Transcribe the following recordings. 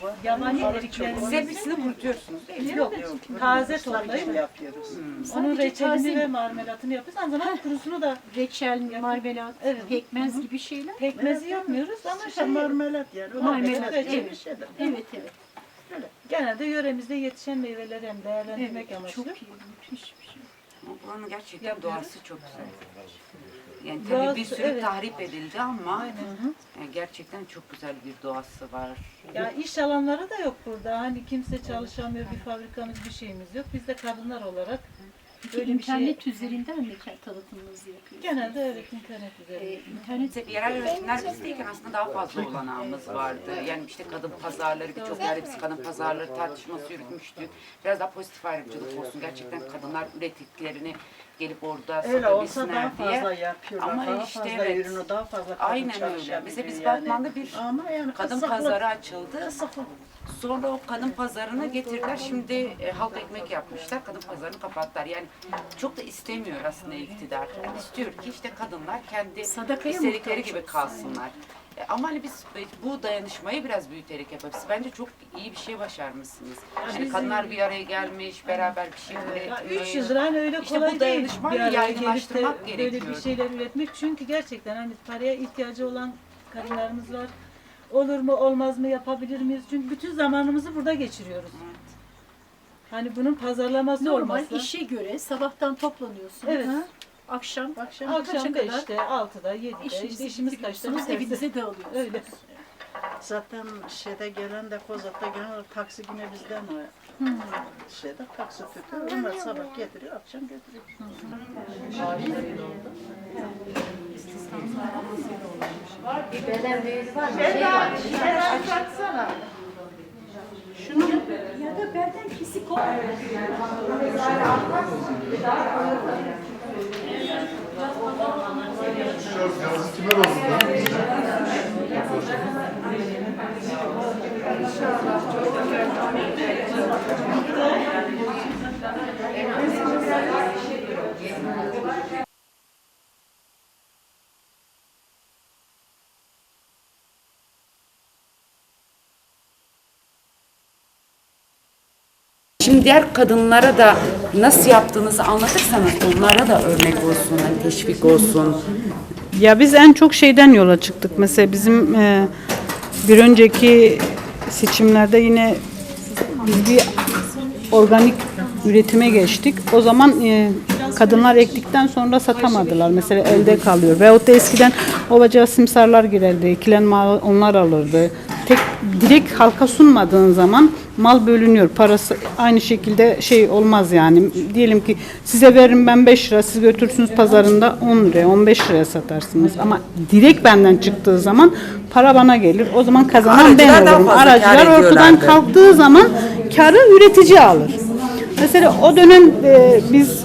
var. Yabani Arık eriklerimizi- çok var. Siz hepsini kurutuyorsunuz değil mi? Yok, taze toplayıp yapıyoruz. onun Sadece taze reçelini mi? ve marmelatını yapıyoruz. Aynı zamanda kurusunu da Reçel, marmelat, Evet. pekmez gibi şeyler. pekmezi yapmıyoruz ama İşte marmelat yani. Marmelat, evet. Evet, evet. genelde yöremizde yetişen meyveleri hem değerlendirmek Evet, amaçlı. çok iyi, müthiş bir şey. Ama buranın gerçekten Yapıyoruz. doğası çok güzel. Yani Doğası, tabii bir sürü evet. tahrip edildi ama Aynen. yani gerçekten çok güzel bir doğası var. Ya iş alanları da yok burada. Hani kimse çalışamıyor, bir fabrikamız, bir şeyimiz yok. Biz de kadınlar olarak Peki böyle bir şey internet üzerinden mi tanıtımınızı yapıyorsunuz? genelde evet internet üzerinde. İnternet Bize yerel üretimler bizdeyken aslında daha fazla olanağımız vardı. Yani işte kadın pazarları, birçok yerde biz kadın pazarları tartışması yürütmüştük. Biraz daha pozitif ayrımcılık olsun. Gerçekten kadınlar ürettiklerini gelip orada Öyle olsa daha satabilsinler diye. fazla yapıyorlar. Ama daha işte fazla evet. ürünü daha fazla kadın Aynen öyle. çalışabiliyor Mesela biz yani. Batman'da bir Ama yani kadın kısıtlı. pazarı açıldı. Kısıtlı. Sonra o kadın pazarını getirdiler. Şimdi halk ekmek yapmışlar. Kadın pazarını kapattılar. Yani çok da istemiyor aslında iktidar. Yani istiyor ki işte kadınlar kendi Sadakaya istedikleri muhtaç gibi kalsınlar. Ama hani biz bu dayanışmayı biraz büyüterek yapıyoruz. Bence çok iyi bir şey başarmışsınız. Yani kadınlar bir araya gelmiş, beraber bir şey Ya üretmiş. 3 yıldır hani öyle İşte kolay bu değil dayanışmayı bir araya gelip de yaygınlaştırmak böyle gerekiyor. bir şeyler üretmek. Çünkü gerçekten hani paraya ihtiyacı olan kadınlarımız var. Olur mu olmaz mı yapabilir miyiz? Çünkü bütün zamanımızı burada geçiriyoruz. Hani bunun pazarlaması normal olmazsa. işe göre sabahtan toplanıyorsunuz. Evet. Akşam Akşam kaça kadar 5'te, 6'da, 7'de işte işinizi işimiz kaçta bitiriyorsunuz, bitse evinize dağılıyorsunuz. öyle. Zaten şeyde gelen de Kozak'ta gelen taksi yine bizden o. Şeyde taksi tutuyor. Onlar sabah getiriyor, akşam götürüyor. Ya da belden kesik ol. Yazı kime olsun lan? Şimdi diğer kadınlara da nasıl yaptığınızı anlatırsanız onlara da örnek olsun, hani teşvik olsun. Ya biz en çok şeyden yola çıktık. Mesela bizim bir önceki seçimlerde yine biz bir organik üretime geçtik. O zaman kadınlar ektikten sonra satamadılar. Mesela elde kalıyor. Veyahut da eskiden ovaca simsarlar girerdi. Ekilen mal onlar alırdı. Direkt halka sunmadığın zaman mal bölünüyor. Parası aynı şekilde şey olmaz yani. Diyelim ki size veririm ben 5 lira, siz götürürsünüz pazarında 10 liraya, 15 liraya satarsınız. Ama direkt benden çıktığı zaman para bana gelir. O zaman kazanan ben Aracılar daha olurum. fazla kâr Aracılar ortadan ediyorlardı. kalktığı zaman karı üretici alır. Mesela o dönem biz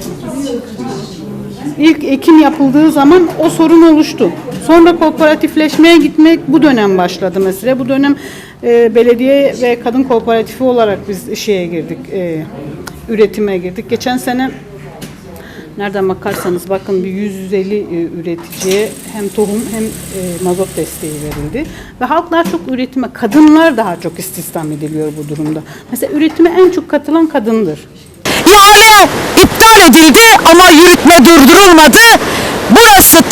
İlk ekim yapıldığı zaman o sorun oluştu. Sonra kooperatifleşmeye gitmek bu dönem başladı mesela. Bu dönem belediye ve kadın kooperatifi olarak biz şeye girdik, üretime girdik. Geçen sene nereden bakarsanız bakın bir 150 üreticiye hem tohum hem mazot desteği verildi. Ve halk daha çok üretime, kadınlar daha çok istihdam ediliyor bu durumda. Mesela üretime en çok katılan kadındır. İhale iptal edildi ama yürütme durdurulmadı. Burası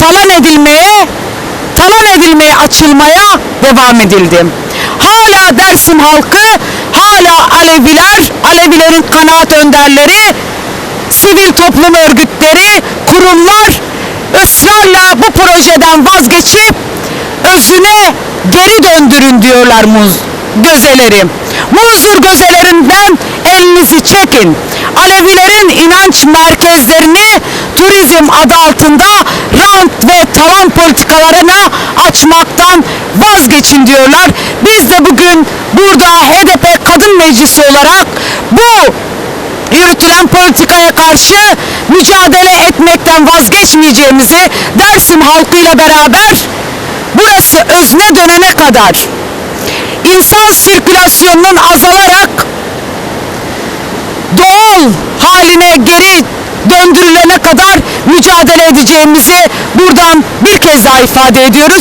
talan edilmeye açılmaya devam edildi. Hala Dersim halkı, hala Aleviler, Alevilerin kanaat önderleri, sivil toplum örgütleri, kurumlar ısrarla bu projeden vazgeçip özüne geri döndürün diyorlar gözeleri. Muzur gözelerinden elinizi çekin. Alevilerin inanç merkezlerini turizm adı altında rant ve talan politikalarına açmaktan vazgeçin diyorlar. Biz de bugün burada HDP Kadın Meclisi olarak bu yürütülen politikaya karşı mücadele etmekten vazgeçmeyeceğimizi Dersim halkıyla beraber burası özne dönene kadar insan sirkülasyonunun azalarak doğal haline geri döndürülene kadar mücadele edeceğimizi buradan bir kez daha ifade ediyoruz.